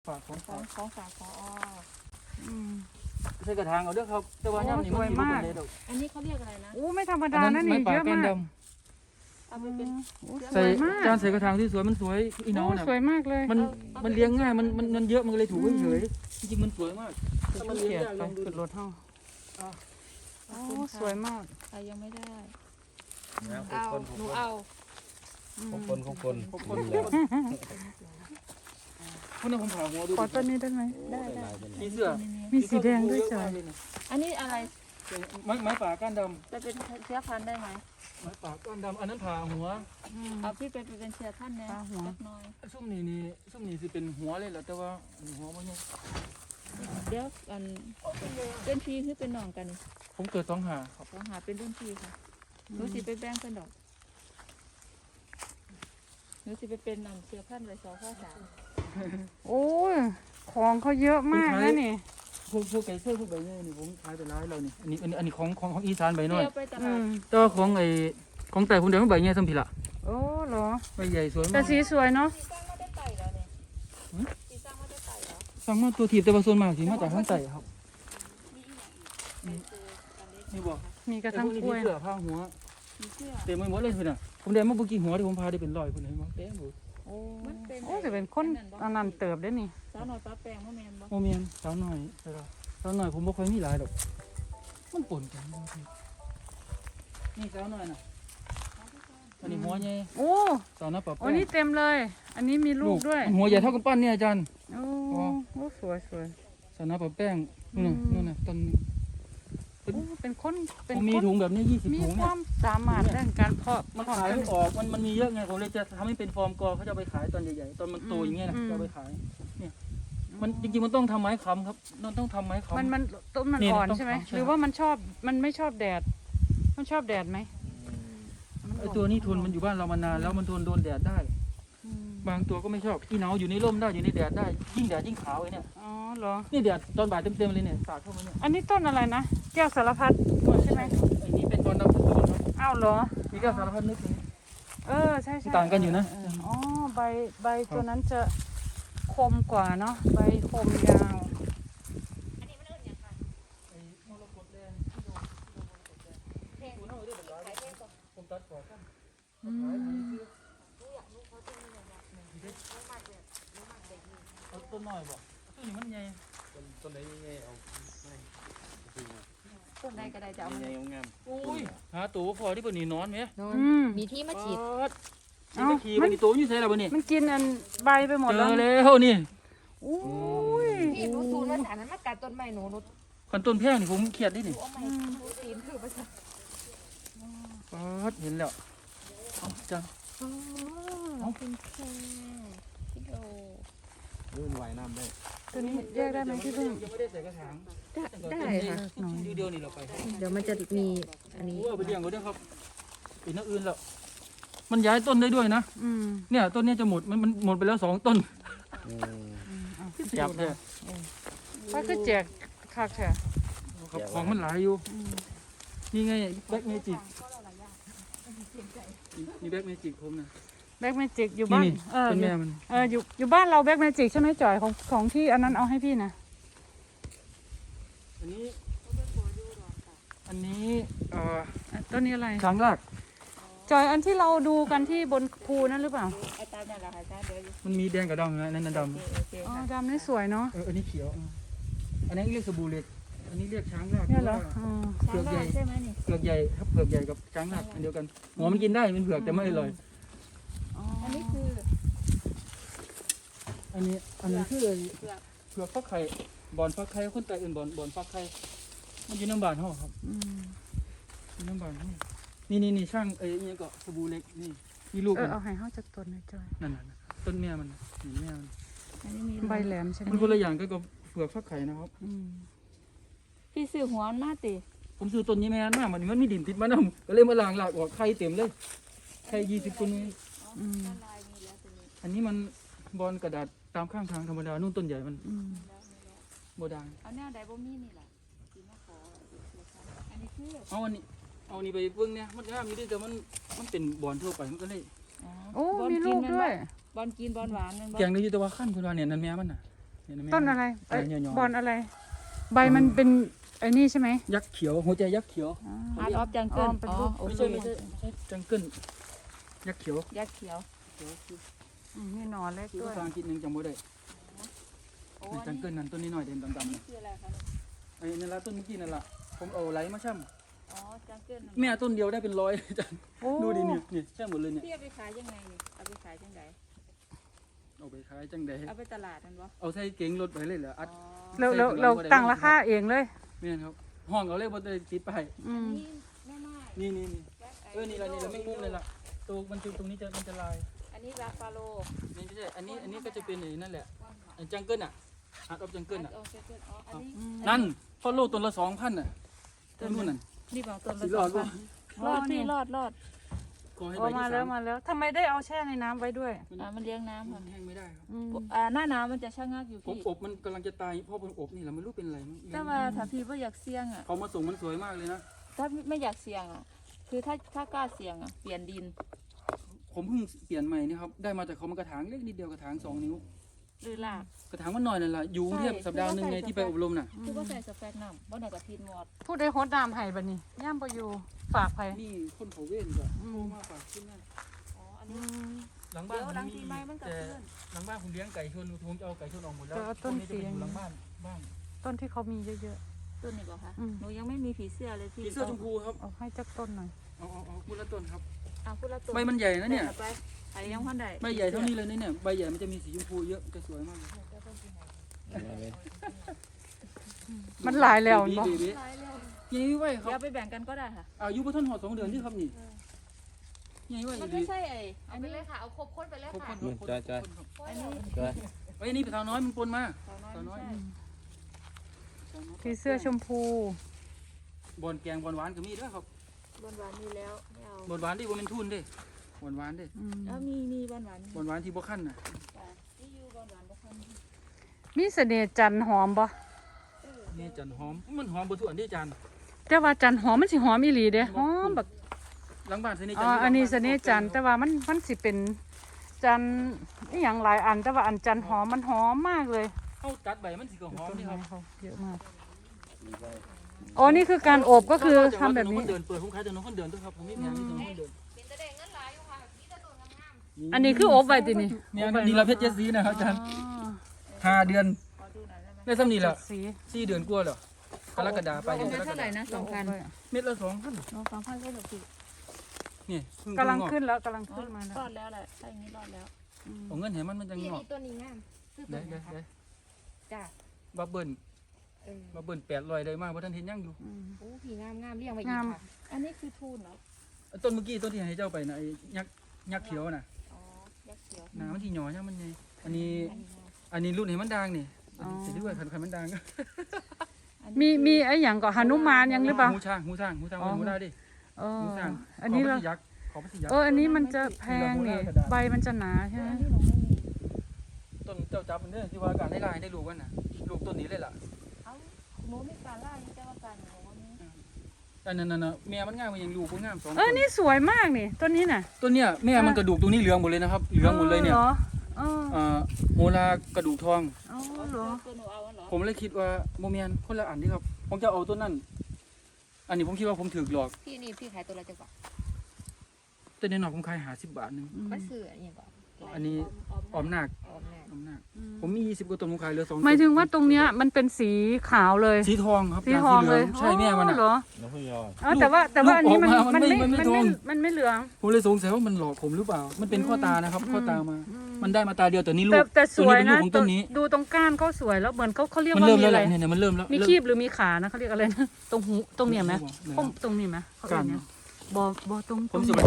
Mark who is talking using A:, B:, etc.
A: ฝากของ
B: ของฝากพอ
A: ใส่กระถางเอาเด้อครับแต่ว่าย่ำนี่มันสวยมากเลยดอก
B: อันนี้เขาเรียกอะไรนะ
C: โอ้ไม่ธรรมดานะนี่เยอะมาก
B: เอาไปเป็น
A: ใส่จานใส่กระถางที่สวยมันสวยอีน้องเนี่ย
C: สวยมากเลย
A: มันเลี้ยงง่ายมันเยอะมันเลยถูกเฉยจริงๆมันสวยมากถ้ามันเลี้ยง
C: เกีย
A: ยาก
C: ไป
A: ลองดู
C: ขึ้นรถเท่าโอ้สวยมาก
B: ใครยังไม่ได้
D: นะ
B: เอาหนูเอา
D: ของคน
A: คนพวกนั้นผมผ่าหัวดู
C: ขอต้นนี้ได้ไหม
B: ได้
A: มีเสื้อ
C: มีสีแดงด้วยจ้ะ
B: อันนี้อะไร
A: ไม้ป่าก้านด
B: จะเป็นเชื้อพันธุ์ได้ไหม
A: ำไม้ป่าก้านดำอันนั้นผ่าหัว
B: เอาพี่เป็นเชื้อท่านเนี่ยสักหน่อย
A: ซุ่มนี่สิเป็นหัวเลยแหละแต่ว่าหัวมันยัง
B: เดี๋ยวกันเป็นพี่คือเป็นน้องกัน
A: ผมเกิด2 หาครับ
B: ต้องหาเป็นรุ่นพี่ค่ะหนูสิไปแบ่งเป็นดอกหนูสิไปเป็นเชื้อพันธุ์เลย2
C: โอ้ยของเขาเยอะมากนะนี่
A: พวกไก่เสื้อพวกใบเนี่ยนี่ผมขายไปร้ายเรานี่อันนี้ของอีสานใบน้อย
B: เที่ยวไปตลาด
A: แต่ว่าของแต่ผมเดี๋ยวมันใบเนี่ยสัมผิละ
C: โอ้เหรอ
A: ใบใหญ่สวย
C: แต่
A: มาก
C: สีสวยเนาะ
B: สีสร้างไม่ได้ไต่แล้วเนี่ยสีสร้างไม่ได้ไต่แล้ว
A: สั่งมาตัวถีบแต่ว่าส่วนมากสิมาจากข้างใต้ครับ
B: มีอีกอย่างอีกไปเจออันเล็ก
A: นี่บอก
C: มีกระ
A: ไอ้
C: ทั่
A: พ
C: ง
A: วกนี้
C: กล้วย
A: เสื้อผ้าหัว
B: มีเสื้อ
A: เต็มไปหมดเลยคุณน่ะผมได้มาบุกี่หัวที่ผมพาได้เป็นร้อยคุณเห็นมั้ยเต็มหมด
C: โอ้
B: มันเป็น
C: โอ้จะเป็นคนอันนั้นเติบได้นี่
B: สาวหน่อยป้าแปลงพ่อแมนบ่
A: โมเมียนสาวหน่อยใช่ป่ะสาวหน่อยผมบ่ค่อยมีหลายดอกมันปนกันบางทีนี่สาวหน่อยน่ะอันนี้หัวใหญ่
C: โอ้
A: สาวหน้าปะ
C: โอ้
A: แป้ง
C: นี่เต็มเลย อันนี้มีลูกด้วย
A: มันหัวใหญ่เท่ากับปั้นเนี่ยอาจารย์
C: โอ้โอ้สวยสวย
A: สาวหน้าปะแป้งนู่นน่ะต้น
C: โอ้เป็นคน
A: ผมมีถุงแบบนี้20
C: มี
A: ถุง
C: ค
A: เนี่
C: วาย มสามารถเรื่องการเพาะ
A: มันขายไม่ออกมันมีเยอะไงผมเลยจะทำให้เป็นฟอร์มกอเขาจะเอาไปขายตอนใหญ่ๆตอนมันโตอย่างเงี้ยนะจะเอาไปขายเนี่ยมันจริงๆมันต้องทำไม้ค้ำครับมันต้องทำไม้ค้ำ
C: มันต้นมัน
A: นี่
C: อ่อน
A: ต้อง
C: ใช่ไหม
A: ใช่
C: หรือว่ามันไม่ชอบแดด มันชอบแดดไหม
A: ไอตัวนี้ทนมันอยู่บ้านเรามานานแล้วมันทนโดนแดดได้ บางตัวก็ไม่ชอบอีเหนาอยู่ในร่มได้อยู่ในแดดได้ยิ่งแดดยิ่งขาวไอ้เนี่ย
C: อ๋อเหรอ
A: นี่แดดตอนบ่ายเต็มๆเลยเนี่ยสาดเข้ามาเนี่ย
C: อันนี้ต้นอะไรนะแก้วสารพัดใช่ไหม
A: ไอ้นี่เป็นตอนดำสตูนครับ
C: อ้าวเหรอ
A: มีแก้วสารพัดนึกถึง
C: ใช่ใช่
A: ต่างกันอยู่นะ
C: อ๋อใบตัวนั้นจะคมกว่าเนาะใบคมยาว
A: ไอ้มรกตแดงที่โดนตัวน้อยด้วยแบบร้ายผมตัดก่อนกันขายให้ซื้อเอาต้นน้อยบ่ต้นนี้มันใหญ่
D: ต้นไหนยังไงเอาไม่
B: ต้นใดก็ได้จะเอา
D: ยัง
B: มา
D: ไงงาม
A: อุ้ยหาตัวพอที่บนนี้นอนไหม
B: มีที่มาฉีด
A: นี่ไม่ขี่บนนี้ตัวอยู่ใส่แล้วบนนี้
C: มันกินอันใบไปหมด
A: เจ
C: แล้ว
A: อแล้วนี่
C: อุ้ย
B: พี่หนูสูนว่าอันนั้นมากัดต้นไม้หนู
A: ขันต้นแพงนี่ผมเครียดดินี่
B: เอาไม้หนูตีนคือประจัก
A: เห็นแล้วเอาจัง
B: เอาเป็นแค่กิโล
D: ลื่นไหวน้ำได้
C: ตัวนี้แยกได้ไหมพี่พึ่ง
A: ยังไม่ได้ใส่กระถาง
B: ได้ค่ะ
A: เดียวนี่เราไป
B: เดี๋ยวมันจะมีอันนี้
A: โอ้เอาไปเลี้ยงก็ได้ครับอีกนักอื่นแล้วมันย้ายต้นได้ด้วยนะ เนี่ยต้นนี้จะหมดมันหมดไปแล้ว2 ต้นจับแท้
C: ถ้าคือแจกคักแท้
A: ครับของมันหลายอยู่นี่ไงแบ็กเมจิกนี่แบ็กเมจิกผมนะ
C: แบ็กเมจิกอยู่บ้าน
A: นี่เป็นแม่มัน
C: อยู่บ้านเราแบ็กเมจิกใช่ไหมจ่อยของที่อันนั้นเอาให้พี่นะ
A: อันนี้
C: ต้นนี้อะไร
A: ช้างราก
C: จอยอันที่เราดูกันที่บนภูนั่นหรือเปล่า
B: ไอ้ตามนั่นแหละค่ะจ้าเดี๋ยว
A: มันมีแดงกับดำนะนั่นดำ
B: โอเค
C: อ๋อ
B: ค่ะ
C: ดำนี่สวยเนาะ
A: อันนี้เขียวอันนี้เรียกสบู่เหล็กอันนี้เรียกช้างราก
C: เนี่ยเหรอ
A: เผือกใหญ่
B: ใช่ไหมนี่
A: เผือกใหญ่ครับเผือกใหญ่กับช้างรากอันเดียวกันหัวมันกินได้เป็นเผือกแต่ไม่อร่อย
B: อันนี้คือ
A: อันนี้คือเผือกฟักไข่บอนฟักไข่คนไทยอื่นบอนฟักไข่มันอยู่น้ำบานห่อครับอยู่น้ำบานห่อนี่ช่างนี่ก็สบู่เหล็กนี่ลูกมัน
C: เอาให้เขาจากต้นหน่อยจอย
A: นั่นต้นแม่มันนี่แม่มัน
B: อันนี้มี
C: ใบแหลมใช่ไหม
A: มันคนละอย่างก็กับเผือกฟักไข่นะครับ
B: พี่ซื้อหัวมันมาติ
A: ผมซื้อต้นนี้แม่นมากมันมีดินติดมานำก็เลยมาล้างหลากออกไข่เต็มเลยไข่20คนนี้อันนี้มันบอลกระดาษตามข้างทางธรรมดานู่นต้นใหญ่มันโบดัง
B: เอาแนวใดบ่มีนี่แหละสิมาขออันนี้คือ
A: เอาอันนี้ไปเบิ่งเนี่ยมันงามอยู่ดิแต่มันเป็นบอลทั่วไปมันก็เลย
C: โอ้มีลูกด้วย
B: บอลกินบอลหวานมัน
A: แกงได้อยู่แต่ว่าขั้นคุณว่าเนี่ยนั่นแม่มันน่ะห็หม
C: ต้นอะไร
A: อะไรเนี่ย
C: บอลอะไร ใบมันเป็นไอ้นี่ใช่ไหม
A: ยักษ์เขียวหัวใจยักษ์เขียว
B: อาร์ตออฟจังเกิล
C: เป็น
B: อ๋อ
C: รูป
B: โอ
A: ไม่
B: เค
A: ใช่ไม่ใช่ไม่ใช่จังเกิลยักษ์เขียว
B: ยักษ์เขียว
C: นี่หนอเล็ก
A: คือ
C: ด้วย
A: ภาษาอังกฤษนึงจำไม่ได้
B: โอ้
A: นี่จังเกิลนั่นต้นนี้หน่อยเด่นดำๆ
B: นี่
A: เนี่ย
B: คืออะไรคะ
A: ไอ้นั่นละต้นเมื่อกี้นั่นละผมเอาไหลมาช่ำ
B: อ๋อจังเกิล
A: แม่ต้นเดียวได้เป็นร้อย จัง
C: โอ้
A: ดูดิเนี่ยใช่หมดเลยเนี่ย
B: พี่เอาไปขายยังไงนี่เอาไปขายจังได
A: เอาไปขายจังใด
B: เอาไปตลาดนั่นบ่
A: เอาใส่เก๋งรถไปเลยเหรออัด
B: อ๋อ
C: เราตั้งราคาเองเลย
A: แม่นครับห้องเอาเลยบนติดไปาย
C: อืม
B: นี่แม่ไม้
A: นี่นี่
B: แบ็คไ
A: นี่ละไม่งมุ้งเลยล่ะตัวมันจุดตรงนี้มันจะลาย
B: อันนี้ราฟาโล
A: นี่ไม่ใช่อันนี้ก็จะเป็นไอ้นั่นแหละจังเกิลอ่ะอาร์ตออฟจังเกิลอ่ะ
B: โอเคอ๋ออันนี้
A: นั่นฟอลโล่ต้นละ2,000น่ะต้นนู้นน่ะ
B: นี่บอกต้น
A: สิ
B: ละ
A: รอด
B: 2,000
A: วะ
B: รอดพี่รอด
A: ขอให้
C: โอ้
A: ใบ
C: มา
A: ที่
C: แล้ว
A: 3
C: มาแล้วทำไมได้เอาแช่ในน้ำไว้ด้วย
B: มันเลี้ยงน้ำ
A: มั
B: ค่ะ
A: นแห้งไม่ได้ครับ
C: อืม
B: หน้าหนาวมันจะชะงักอยู่
A: ผม
B: พี่
A: อบมันกำลังจะตายเพราะผมอบนี่แหละไม่รู้เป็นอะไรมั้ง
B: แต่ว่าถ้าพี่ว่าอยากเสี่ยงอ่ะ
A: เขามาส่งมันสวยมากเลยนะ
B: ถ้าไม่อยากเสี่ยงอ่ะ คือถ้ากล้าเสี่ยงอ่ะเปลี่ยนดิน
A: ผมเพิ่งเปลี่ยนใหม่นี่ครับได้มาจากเขามันกระถางเล็กนิดเดียวกระถาง2 นิ้ว
B: หรือลาก
A: กระถางมันหน่อยนั่นแหละอยู่กรุงเทพ
B: ใช่
A: สัปดาห์หนึงไงที่ไปอบรมน่ะ
B: คือว่าใส่สแปกน้ำบ่ได้กับพีนหมด
C: พูดได้โฮดน้ำให้บัดนี้ย่ามไปอยู่ฝากไป
A: นี่คนเขาเว้นก็โทรมาฝากขึ้นนั่น
B: อ๋ออัน
C: อื
B: นี้
C: ม
A: หลังบ้าน
B: เดี๋ยว
A: ผม
B: หลัง
A: มี
B: ปีใหม่มันก็
A: แต่
B: ขึ้น
A: หลังบ้านผมเลี้ยงไก่ชนผมจะเอาไก่ชนออกหมดแล้ว
C: แต่ว่าต้น
A: พวกจะไป
C: เสียง
A: อยู่หลังบ้านบ้าง
C: ต้นที่เขามีเยอะ
B: ต้นนี้บอกค่ะ
C: อืม
B: หนูยังไม่มีผีเสื้อเลยพี่
A: ผีเสื้อชมพูครับ
C: ๆเอาให้จักต้นหน่อย
A: เอาพูดละต้นครับ
B: เอาพูดละตัว
A: ใบมันใหญ่นะเนี่ย
B: ไปไอ้ยังพันใด
A: ใบใหญ่เท่านี้เลยนะเนี่ยใบใหญ่มันจะมีสีชมพูเยอะจะสวยมากเลย
C: มันหลายแล้ว
A: บี
C: เนาะ
A: บียังไว้ค
B: เดี๋ย
A: รั
B: ว
A: บ
B: ไปแบ่งกันก็ได้ค่ะ
A: อายุพระท่านหอด2 เดือนที่ครับนี่ยังไว้
B: มัน
A: ดี
B: ไม่ใช่ไอ้
E: เอา
B: อัน
E: ไป
B: นี้
E: เลยค่ะ เอาครบคนไปเลย
A: ครบ
E: ค่ะ
A: คนครบ
D: จ้อย
B: อันนี้
A: ไอ้นี่เป็นสาวน้อยมันปนมา
B: สาวน้อยไม่ใช่
C: ผีเสื้อชมพู
A: บอนแกงบอนหวานก็มีด้วยครับ
B: หวานมีแล้วไม่เอา
A: บอนหวานที่บ่เป็นทุนเด้บอนหวานเด้
C: อืม
B: แล้วมีหวาน
A: บอนหวานที่บ่คั่นน่ะ
B: ที่อยู่หวานบ่คัน
C: มีเสน่ห์จันทร์หอมบ่
A: นี่จันหอมมันหอมบ่ทุกอันที่จัน
C: แต่ว่าจันทร์หอมมันสิหอมอีหลีเด้หอมแบบ
A: หลังบ้านสนิท
C: อ๋
A: จั
C: อน อันนี้
A: หลัง
C: เส
A: บ้า
C: น่ห์จันทร์แต่ว่ามันสิเป็นจันทร์อหย่างหลายอันแต่ว่าอันจันทร์หอมมันหอมมากเลย
A: เฮาตัดใบมันสิก็หอม
C: ต้น
A: นี่ค
C: ไม้
A: รับ
C: เขาเยอะมากอ๋อนี่คือการอบก็คือทำแบบนี้
A: ถนนคนเดินเปิดผมขายถนนคนเดินด้วยครับผมมีแผงที่ถนนคนเดิน
E: เป็นตะเด้งเงินหลายอยู่ค่ะมีแต่ตัวงาม
C: อันนี้คืออบไว้ตินี่
A: เนี่ยนี่เราเพชรเจดสีนะครับอาจารย์
C: อ๋อ
A: 5 เดือน
B: ขอดูหน่อยได้ไหม
A: ได้ซ้ำนี่แหละ
C: สี
A: 4 เดือนกว่าแล้วกรกฎาไป
B: เป็น
A: กรก
B: เท่าไห
A: ฎา
B: ร่นะ2,000
A: เม็ดละ2,000
B: 2,000เลยเหรอพี่
A: นี่เพิ่ง
C: กำลัง
A: งอก
C: ขึ้นแล้วกำลังขึ้นมาแล้ว
B: รอดแล้วแหละถ้าอย่างนี้รอดแล้ว
A: เอาเงินให้มันจัง
E: พี่
A: งอก
E: นี่ตัวนี้งามซื้อตัว
A: ได้
E: นี้
A: ได้
E: ค่ะ
A: ได้
E: จ้า
A: บับเบิ้ล
E: เออ
A: บับเบิ้ล800ได้มากเพราะท่านเห็นยังอยู่
E: โอ้พี่งามงามเรียงไว้อี
C: งาก ม
E: ค่ะ
B: อันนี้คือทูนเหรอ
A: ต้นเมื่อกี้ต้นที่ให้เจ้าไปนะไอ้ยักษ์เขียวน่ะ
B: อ๋อยักษ์เขียว
A: น้ำมันที่หย่อยังมันไงอันนี้
B: อันนี้งาม
A: อันนี้รุ่นให้มันดังนี่
C: อ๋อ
A: เสร็จด้วยขันมันดัง
B: อัน
C: มี
B: นี้
C: มีไอ้หยังก็หนุมานยังหรือเปล่า
A: หูช้างหูได้ดิ
C: เออ
A: หูช้าง
C: อันนี้เรา
A: ขอพระสิยักษ์
C: อันนี้มันจะแพงนี่ใบมันจะหนาใช่ไหม
B: อันนี้หนูไม่มี
A: ต้นเจ้าจับมันเด้อที่ว่าการได้ลายได้ลูกกันน่ะลูกต้นนี้เลยล่ะ
B: เอ้าหนูมีการล่ายังจะว่าการหนูว่ามี
A: อันนั้นน่ะแม่มันงามมันยังลูกมันงาม2
C: นี่สวยมากนี่ต้นนี้น่ะ
A: ต้นเนี้ยแม่มันกระดูกตรงนี้เหลืองหมดเลยนะครับเหลืองหมดเลยเนี่ย
C: หรอเออ
A: โหรากระดูกทอง
C: อ๋อเหรอ
B: ตัวหนูเอาอันเหรอ
A: ผมเลยคิดว่าโมเมนคนละอันที่ครับผมจะเอาต้นนั้นอันนี้ผมคิดว่าผมถือหลอก
E: พี่นี่พี่ขายตัวละจังกว่า
A: ต้นนี้หนอกผมขาย50 บาทหนึง
E: มันซื้ออันนี้ก่อน
A: อันนี้ออมนาค
E: ออมแน่
A: ออมนาคผมมี20กว่าต้นผมขายเหลือ2
C: หมายถึงว่าตรงเนี้ยมันเป็นสีขาวเลย
A: สีทองครับ
C: สีทองเลย
A: ใช่แม่มัน
C: อ๋อเหร
A: อ่ะ
C: อ
D: น้องพี่ยอด
C: อ๋อแต่ว่าอันนี้มัน
A: ลูกออกมามันไม่
C: มัน
A: ทอง
C: มันไม่เหลือง
A: ผมเลยสงสัยว่ามันหลอกผมหรือเปล่า มันเป็นข้อตานะครับข้อตามา มันได้มาตาเดียวแต่นี่ลู
C: แต่
A: ก
C: แต่สวย
A: ตัว
C: นะ
A: เป็นลูกของต้นนี้
C: ดูตรงก้านเขาสวยแล้วเหมือนเขาเรียก
A: มัน
C: ว่า
A: เริ่ม
C: มี
A: แล้ว
C: อะ
A: แห
C: ไร
A: ละเนี่ยมันเริ่มแล้ว
C: มีคีบหรือมีขานะเขาเรียกอะไรนะตรงหูตรงเนี่ยไหม
A: เริ่ม
C: ตรงนี้ไหมเขาเรียกเนี่ยบอตรง
A: ผม
C: ต
A: ส
C: รง
A: มัย